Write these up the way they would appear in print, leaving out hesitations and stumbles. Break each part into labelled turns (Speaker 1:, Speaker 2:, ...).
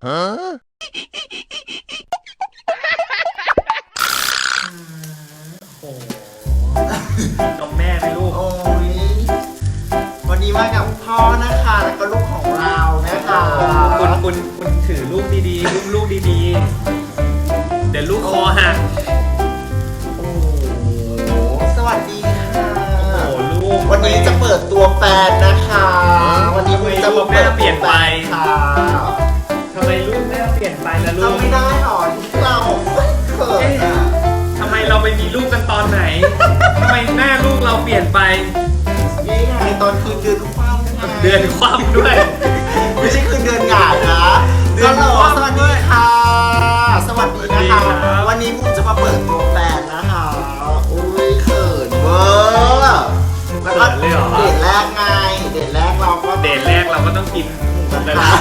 Speaker 1: โอ้กับแม่ไหมลูก
Speaker 2: โอ้ยวันนี้มากับพ่อนะคะแล้วก็ลูกของเรานะคะ
Speaker 1: คุณถือลูกดีๆลูกดีๆเดี๋ยวลูกคอหัก
Speaker 2: โอ้สวัสดีค่ะ
Speaker 1: โอ้ลูก
Speaker 2: วันนี้จะเปิดตัวแฟนนะคะวันนี้จะมาเปิด
Speaker 1: เปลี่ยนไป
Speaker 2: ค่ะ
Speaker 1: ทำไมลูกแม่เปลี่ยนไปล่ะลูก
Speaker 2: ทำไม่ได้หรอที่เราเขินอ่ะ
Speaker 1: ทำไมเราไปมีลูกกันตอนไหนทำไมหน้าลูกเราเปลี่ยนไป
Speaker 2: นี่ไงตอนคืนเดือนคว่ำ
Speaker 1: เดือนคว่ำด้วย
Speaker 2: ไม่ใช่คืนเดือนหงายนะเดือนคว่ำสวัสดีค่ะสวัสดีนะคะวันนี้ผมจะมาเปิดตัวแฟนนะคะอุ้ยเขินเวอร์แล้วก็เดทแรกไงเดทแรกเรา
Speaker 1: ก็ต้องกินกันละ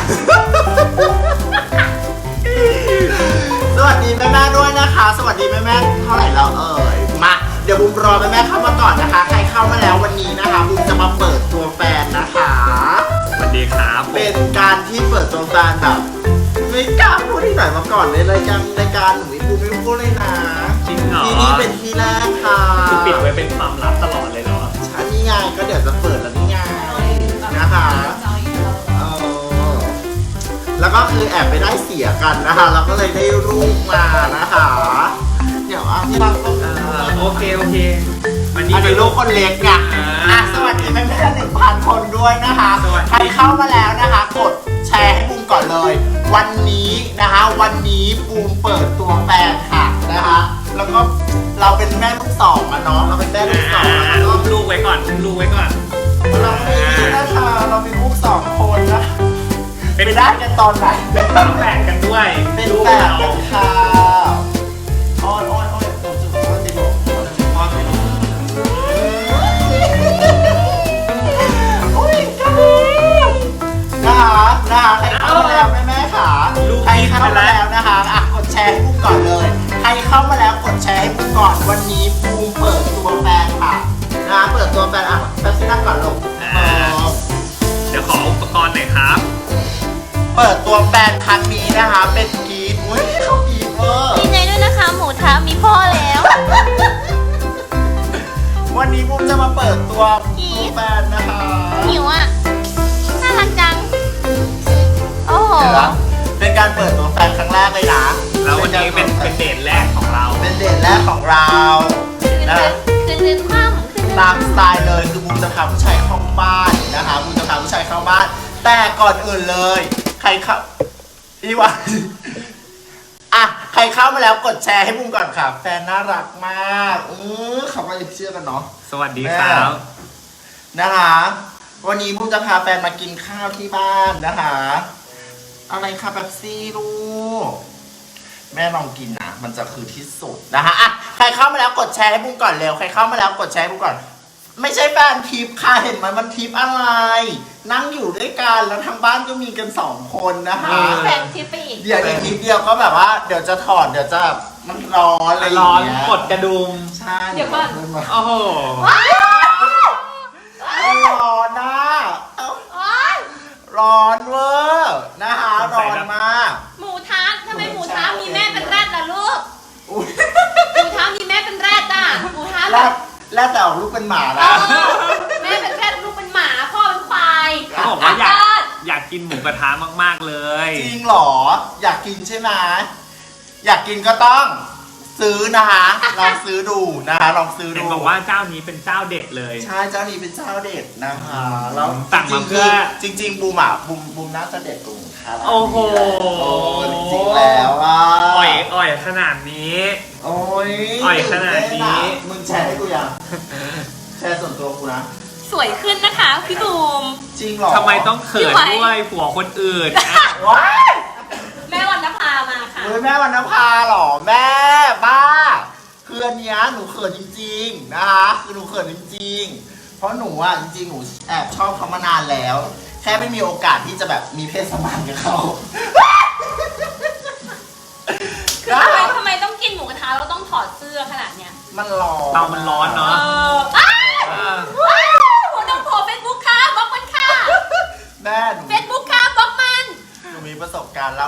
Speaker 2: สวัสดีแม่ๆด้วยนะคะสวัสดีแม่ๆเท่าไหร่แล้วมาเดี๋ยวบุมรอแม่ๆเข้ามาก่อนนะคะใครเข้ามาแล้ววันนี้นะคะบุมจะมาเปิดตัวแฟนนะคะ
Speaker 1: สวัสดีครับ
Speaker 2: เป็นการที่เปิดตัวแฟนแบบไม่กล้าพูดที่ไหนมาก่อนเลยรายการหนูบุมไม่พูดเลยนะ
Speaker 1: จริงเหรอ
Speaker 2: ที่นี่เป็นที่แรกค่ะ
Speaker 1: คือปิดไว้เป็นความลับตลอดเลยเหรอ
Speaker 2: ใช่นี่ไงก็เดี๋ยวจะเปิดแล้วนี่ไงนะคะแล้วก็คือแอบไปได้เสียกันนะคะเราก็เลยได้รูปมานะคะเดี๋ยวที่เรา
Speaker 1: โอเค
Speaker 2: วันนี้เป็นลูกคนเล็กไงสวัสดีแม่1,000 คนด้วยนะคะใครเข้ามาแล้วนะคะกดแชร์ให้บูมก่อนเลยวันนี้นะคะวันนี้บูมเปิดตัวแฟนค่ะนะคะแล้วก็เราเป็นแม่ลูกสองอะเนาะเราเป็นแม่ลูกสองแล้วก็
Speaker 1: ลูกไว้ก่อน
Speaker 2: เราไม่นะคะเราเป็นลูก2 คนนะไปได้กันตอนไหน
Speaker 1: เป็นแฝดกันด้วย
Speaker 2: เป็นแฝดกันค่ะอ้อนจุดอ้อนติดอุ้ยกระดิ่งนะคะใครเข้ามาแล้วแม่ค่ะใครเข้ามาแล้วนะคะกดแชร์ให้ปุ๊บก่อนเลยใครเข้ามาแล้วกดแชร์ให้ปุ๊บก่อนวันนี้ปูเปิดตัวแฟนค่ะนะเปิดตัวแฟนแป๊บนึงนั่งก่อนลง
Speaker 1: เดี๋ยวขออุปกรณ์หน่อยครับ
Speaker 2: เปิดตัวแฟนครั้งนี้นะคะเป็นกีดอุ้ยเขากีดเวอร์
Speaker 3: ดีใจด้วยนะคะหมูทะมีพ่อแล้ว
Speaker 2: วันนี้ผมจะมาเปิดตัวแฟนนะคะ
Speaker 3: หิวอ่ะน่ารักจังโอ้โห
Speaker 2: เป็นการเปิดตัวแฟนครั้งแรกเลยนะ
Speaker 1: แล้ววันนี้เป็นเดทแรกของเรา
Speaker 2: เป็นเดทแรกของเรา
Speaker 3: คืนความ
Speaker 2: ตามสไตล์เลยคือบูมจะพาผู้ชายเข้าบ้านนะคะบูมจะพาผู้ชายเข้าบ้านแต่ก่อนอื่นเลยใครเข้าพี่วันใครเข้ามาแล้วกดแชร์ให้บูมก่อนค่ะแฟนน่ารักมากเขาก็จะเชื่อกันเนาะ
Speaker 1: สวัสดีครับ
Speaker 2: นะคะวันนี้บูมจะพาแฟนมากินข้าวที่บ้านนะคะอะไรคะเป๊ปซี่ลูกแม่ลองกินนะมันจะคือที่สุดนะคะใครเข้ามาแล้วกดแชร์ให้บูมก่อนเร็วใครเข้ามาแล้วกดแชร์ให้บูมก่อนไม่ใช่แฟนทิปค่ะเห็นไหมมันทิปอะไรนั่งอยู่ด้วยกันแล้วทางบ้านก็มีกัน2 คนนะคะ
Speaker 3: แฟนทิปไปอีก
Speaker 2: เดี๋ยวอีกนิดเดียวก็แบบว่าเดี๋ยวจะถอดเดี๋ยวจะมันร้อนอะไรอย่างเงี้ย
Speaker 1: กดกระดุม
Speaker 2: ใช่
Speaker 3: เดี๋ยวก่อน
Speaker 1: โอ้โห
Speaker 2: ร้อนนะร้อนเวอร์นะคะร้อนมาก
Speaker 3: หมูทะทำไมหมูทะมีแม่เป็นแรดล่ะลูกหมูทะมีแม่เป็นแรดอ่ะหมูทะ
Speaker 2: แล้วแต่ลูกเป็นหมานะ
Speaker 3: แม่เป็นแรดลูกเป็นหมาพ่อเป็นควาย
Speaker 1: เขาบอกว่าอยากกินหมูกระทะมากๆเลย
Speaker 2: จริงหรออยากกินใช่ไหมอยากกินก็ต้องซื้อนะคะลองซื้อดูนะคะลองซื้อดู
Speaker 1: บอกว่าเจ้านี้เป็นเจ้าเด็ดเลย
Speaker 2: ใช่เจ้านี้เป็นเจ้าเด็ดนะคะแล้ว
Speaker 1: สั่งมาเพื่อ
Speaker 2: จริงบูมน่าจะเด็ดกว่าค่ะ
Speaker 1: โอ้โห
Speaker 2: จริงแล้ว
Speaker 1: อ่อยขนาดนี้อ่อยขนาดนี้
Speaker 2: มึงแชร์ให้กูยังแชร์ส่วนตัวกูนะ
Speaker 3: สวยขึ้นนะคะพี่บูม
Speaker 2: จริงหรอ
Speaker 1: ทำไมต้องเขินด้วยผัวคนอื่น
Speaker 2: ว้าย
Speaker 3: แม่วรรณภามาค่ะ
Speaker 2: แม่วรรณภาหรอแม่บ้าคืออันเนี้ยหนูเขินจริงๆนะคะคือหนูเขินจริงๆเพราะหนูอ่ะจริงๆหนูแอบชอบเขามานานแล้วแค่ไม่มีโอกาสที่จะแบบมีเพศสัมพันธ์กับเขา
Speaker 3: ทำไมต้องกินหมูกระทะเราต้องถอดเสื้อขนาดเนี้ย
Speaker 2: มันร้อน
Speaker 1: มันร้อนเนาะ
Speaker 3: ผมต้องโผล่เฟซบุ๊กค่ะบล็อกมันค่ะ
Speaker 2: แม่
Speaker 3: เฟซบุ๊กค่ะบล็อกมัน
Speaker 2: หนูมีประสบการณ์เล่า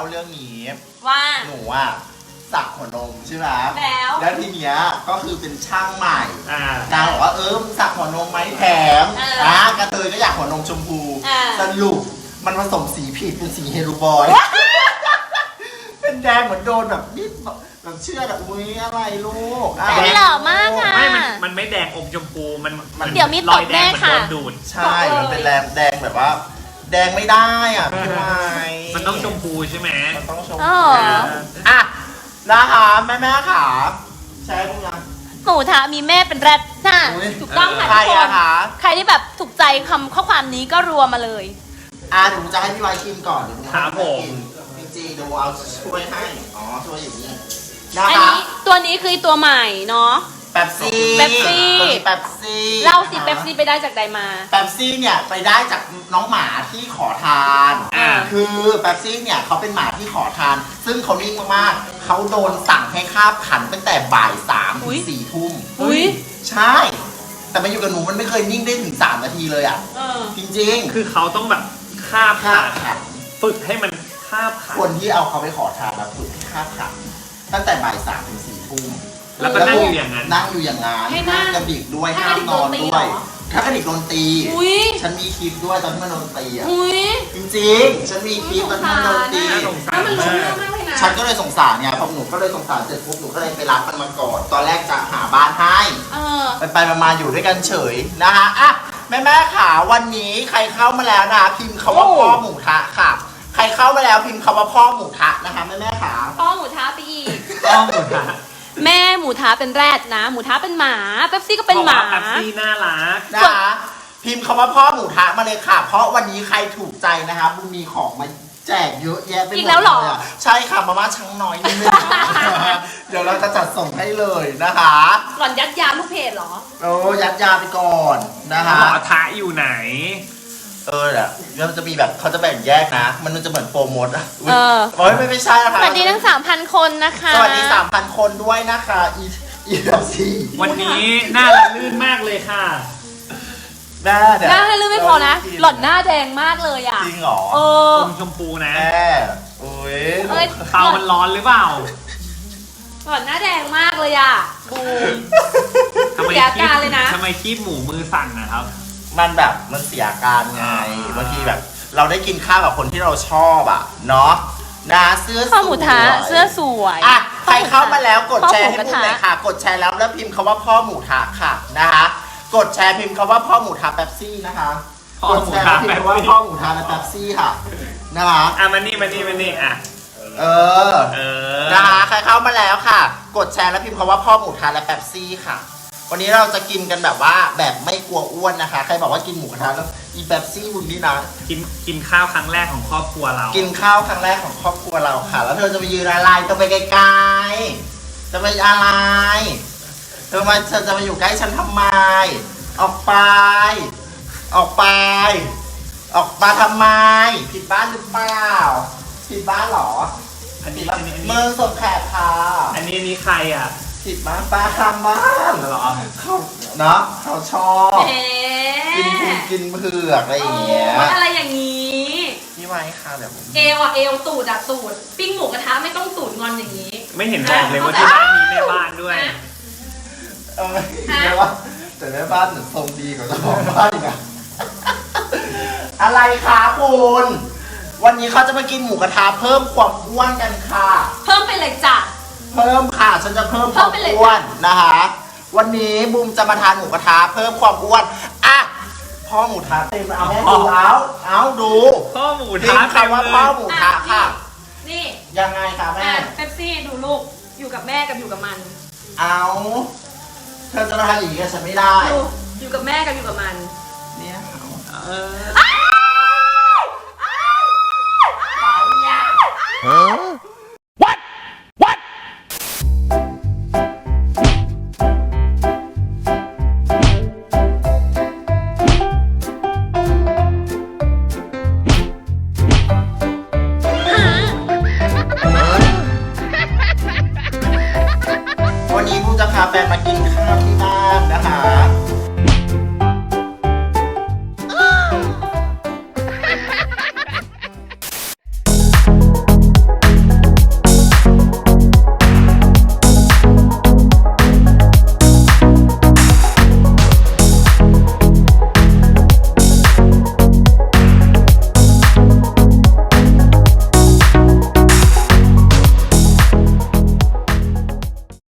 Speaker 2: เรื่องนี้
Speaker 3: ว่า
Speaker 2: หนูอ่ะสักหัวนมใช่ไหม
Speaker 3: แล้ว
Speaker 2: ทีเนี้ยก็คือเป็นช่างใหม่
Speaker 1: อ่า
Speaker 2: นางบอกว่ามึงสักหัวนมไหมแถมกระเทยก็อยากหัวนมชมพูสรุปมันผสมสีผิดเป็นสีเฮลูบอย เป็นแดงเหมือนโดนแบบนิดแบบเชื่อแบบอุ้ยอะไรลูก
Speaker 3: แต่นี่หล่อมากค่ะ
Speaker 1: ไม่มันไม่แดงอมชมพูมัน
Speaker 3: เดี๋ยวมีตบแน่ค่ะ
Speaker 1: รอยแดงเหมือนโดนดูด
Speaker 2: ใช่มันเป็นแดงแบบว่า แดงไม่ได้อ่ะพี่ไม้
Speaker 1: มันต้องชมพูใช่ไหม
Speaker 2: มันต้องชม
Speaker 3: อ๋อ
Speaker 2: อ่ะนะคะแม่ขาใช่พวกนั้น
Speaker 3: หมูทะมีแม่เป็นแรดน่ะ
Speaker 2: อุ๊ย
Speaker 3: ถูกต้องค่ะ
Speaker 2: ใคร
Speaker 3: ทุกค
Speaker 2: อะ
Speaker 3: น
Speaker 2: คะ
Speaker 3: ใครที่แบบถูกใจคำข้อความนี้ก็รวมมาเลย
Speaker 2: เดี๋ยวผมจะให้พี่ไว้ชิมก่อนเดี๋ยวผม
Speaker 1: ครับผม
Speaker 2: จริงๆเดี๋ยวเอาช่วยให้ช่วยอย่างนี้นะ
Speaker 3: อัน
Speaker 2: คะ
Speaker 3: นี้ตัวนี้คือตัวใหม่เนาะ
Speaker 2: เป๊ปซี่
Speaker 3: เป๊ปซี่
Speaker 2: ตัวนี้เป๊ปซี่
Speaker 3: เล่าสิเป๊ปซี่ไปได้จากใดมา
Speaker 2: เป๊ปซี่เนี่ยไปได้จากน้องหมาที่ขอทาน
Speaker 1: อ่า
Speaker 2: คือเป๊ปซี่เนี่ยเขาเป็นหมาที่ขอทาน ซึ่งเขานิ่งมากๆเขาโดนสั่งให้คาบขันตั้งแต่บ่าย 3 ถึ
Speaker 3: อุ๊
Speaker 2: ง
Speaker 3: ย
Speaker 2: 4 ทุ่ม
Speaker 3: อุ้ย
Speaker 2: ใช่ แต่มาอยู่กับหนูมันไม่เคยนิ่งได้ถึง 3 นาทีเลยอ่ะ จริง
Speaker 1: คือเขาต้องแบบคาบ
Speaker 2: ๆคาบขัน
Speaker 1: ฝึกให้มันคาบขา
Speaker 2: คนที่เอาเขาไปขอทานแล้วฝึกให้คาบขันตั้งแต่บ่าย 3 ถึง 4 ทุ่ม
Speaker 1: แล้วก็นั่งอยู่อย่างนั้น
Speaker 2: นั่งอยู่อย่างนั้น
Speaker 3: ให้นั่ง
Speaker 2: กระดิกด้วย
Speaker 3: ให้
Speaker 2: ห้ามนอน
Speaker 3: กระดิก
Speaker 2: ด้วย
Speaker 3: โดนตีเหรอ
Speaker 2: ถ้ากระดิกโดนตี
Speaker 3: อุ้ย
Speaker 2: ฉันมีคลิปด้วยตอนที่มันโดนตีอ่ะ
Speaker 3: อุ้ย
Speaker 2: จริงๆ ฉันมีคลิปตอนที่มันโดนตี
Speaker 1: น่าสงสาร
Speaker 3: แล้วมันรู้
Speaker 1: มาก
Speaker 3: เรื่องมากเลยนะ
Speaker 2: ฉันก็เลยสงสารไงพอหนูก็เลยสงสารเสร็จปุ๊บหนูก็เลยไปรับมันมาก่อนตอนแรกจะหาบ้านให้
Speaker 3: เออ
Speaker 2: ไปมาอยู่ด้วยกันเฉยนะคะอ่ะแม่ขาวันนี้ใครเข้ามาแล้วนะพิมพ์คำว่าพ่อหมูทะค่ะ ใครเข้ามาแล้วพิมพ์คำว่าพ่อหมูทะนะคะแม่ขา
Speaker 3: พ่อหมูท้าไปอีก
Speaker 1: ต้องหมดละ
Speaker 3: แม่หมูท้าเป็นแรดนะ หมูท้าเป็นหมาเป๊ปซี่ก็เป็นหมา
Speaker 1: พระว่แป๊บซี่น่ารัก
Speaker 2: นะคะพิมพ์คำว่าพ่อหมูทะมาเลยค่ะ เพราะวันนี้ใครถูกใจนะคะบุญมีของมาแจกเยอะแยะไปหมด
Speaker 3: อีกแล้วเหรอ
Speaker 2: ยะใช่ค่ะมาม่าช้างน้อยนี่ไม่ได้ เดี๋ยวเราจะจัดส่งให้เลยนะคะ
Speaker 3: หล่อนยัดยาลูกเพจเหรอ
Speaker 2: โอ้ยัดยาไปก่อนนะคะ
Speaker 1: หมอทะอยู่ไหน
Speaker 2: เดี๋ยวมันจะมีแบบเขาจะแบ่งแยกนะ มันจะเหมือนโปรโมทอ่ะอุ๊ย
Speaker 3: เออ
Speaker 2: โอ้ยไม่ใช่นะคะ
Speaker 3: สวัสดีทั้ง 3,000 คนนะคะ
Speaker 2: สวัสดี 3,000 คนด้วยนะคะอีแบบซี
Speaker 1: วันนี้หน้าละลื่นมากเลยค่ะ
Speaker 2: หน้าเดี๋ยว
Speaker 3: หน้าให้ลืมไม่พอนะ หล่อนหน้าแดงมากเลยอ่ะ
Speaker 2: จริงเหรอ
Speaker 3: เออ
Speaker 1: อมชมพูนะ
Speaker 2: แม่โอ้ย
Speaker 3: เอ้ย
Speaker 1: เตามันร้อนหรือเปล่า
Speaker 3: หล่อนหน้าแดงมากเลยอ่ะบูม
Speaker 1: ทำไม
Speaker 3: เสียอาการเลยนะ
Speaker 1: ทำไมคีบหมูมือสั่นนะครับ
Speaker 2: มันแบบมันเสียอาการไงบางทีแบบ เราได้กินข้าวกับคนที่เราชอบอ่ะเนาะนะเสื้อสวย
Speaker 3: พ่อหมูท้าเสื้อสวย
Speaker 2: อ่ะใครเข้ามาแล้วกดแชร์ให้
Speaker 3: พ่อหมูกระ
Speaker 2: พูด
Speaker 3: ทะ
Speaker 2: เลยค่ะ กดแชร์แล้วพิมพ์คำว่าพ่อหมูทะค่ะนะคะกดแชร์พิมพ์คำว่าพ่อหมูทะเป๊ปซี่นะคะ
Speaker 1: พ่อก
Speaker 2: ด
Speaker 1: หมู
Speaker 2: แชร์
Speaker 1: ทะ
Speaker 2: พิมพ์คำว่าพ่อหมูทะและเป๊ปซี่ค่ะนะคะ
Speaker 1: อ่ะมานี่อ่ะ
Speaker 2: เออ
Speaker 1: เออ
Speaker 2: นะคะใครเข้ามาแล้วค่ะ กดแชร์แล้วพิมพ์คำว่าพ่อหมูทะและเป๊ปซี่ค่ะ วันนี้เราจะกินกันแบบว่าแบบไม่กลัวอ้วนนะคะ ใครบอกว่ากินหมูกระทะแล้วอีเป๊ปซี่บุญนี่นะ
Speaker 1: กินข้าวครั้งแรกของครอบครัวเรา
Speaker 2: กินข้าวครั้งแรกของครอบครัวเราค่ะ แล้วเธอจะไปยืนอะไรต้องไปไกลๆจะไปอะไรเธอจะมาอยู่ใกล้ฉันทำไม ออกไป ออกไป ออกมาทำไม ผิดบ้านหรือเปล่า ผิดบ้านเหรอ
Speaker 1: อันนี้
Speaker 2: เมืองส่งแขกค่ะ
Speaker 1: อันนี้ใครอ่ะ
Speaker 2: ผิดบ้านป้าทำบ้าน
Speaker 1: เหรอ
Speaker 2: เขาเนาะเขาชอบ
Speaker 3: เอ๊
Speaker 2: กินเผือกอะไรอย่างเงี้ย
Speaker 3: โอ้ยอะไรอย่างนี้
Speaker 2: พี่ไว้ค่ะเดี๋ยวผม
Speaker 3: เอวอ่ะเอวตูดอ่ะตูด ปิ้งหมูกระทะไม่ต้องตูดงอนอย่างนี้
Speaker 1: ไม่เห็นบอกเลยว่าที่บ้านมีแม่บ้านด้วย
Speaker 2: แม่ว่าแต่แม่บ้านหนูทรงดีกว่าเจ้าของบ้านอีกอะอะไรคะคุณวันนี้เขาจะมากินหมูกระทะเพิ่มความอ้วนกันค่ะ
Speaker 3: เพิ่มไปเลยจ้ะ
Speaker 2: เพิ่มค่ะฉันจะเพิ่มความ
Speaker 3: เพิ่มไปเลย
Speaker 2: อ้วนนะคะ วันนี้บูมจะมาทานหมูกระทะเพิ่มความอ้วนอ่ะพ่อหมูทะเต็มเอาแม่ดูเอาดู
Speaker 1: พ่อหมู
Speaker 2: พิ
Speaker 1: ทะ
Speaker 2: มพ์คำว่าพ่อหมูทะค่ะ
Speaker 3: นี่
Speaker 2: ยังไงคะแม่
Speaker 3: เป๊ปซี่ดูลูก อยู่กับแม่กับอยู่กับมัน
Speaker 2: เอาเธอจะมาทำอย่างนี้กับฉันไม่ได้
Speaker 3: ดูอยู่กับแม่กับอยู่กับมัน
Speaker 2: เนี่ยเอา
Speaker 1: เออ
Speaker 2: ขายเนี่ย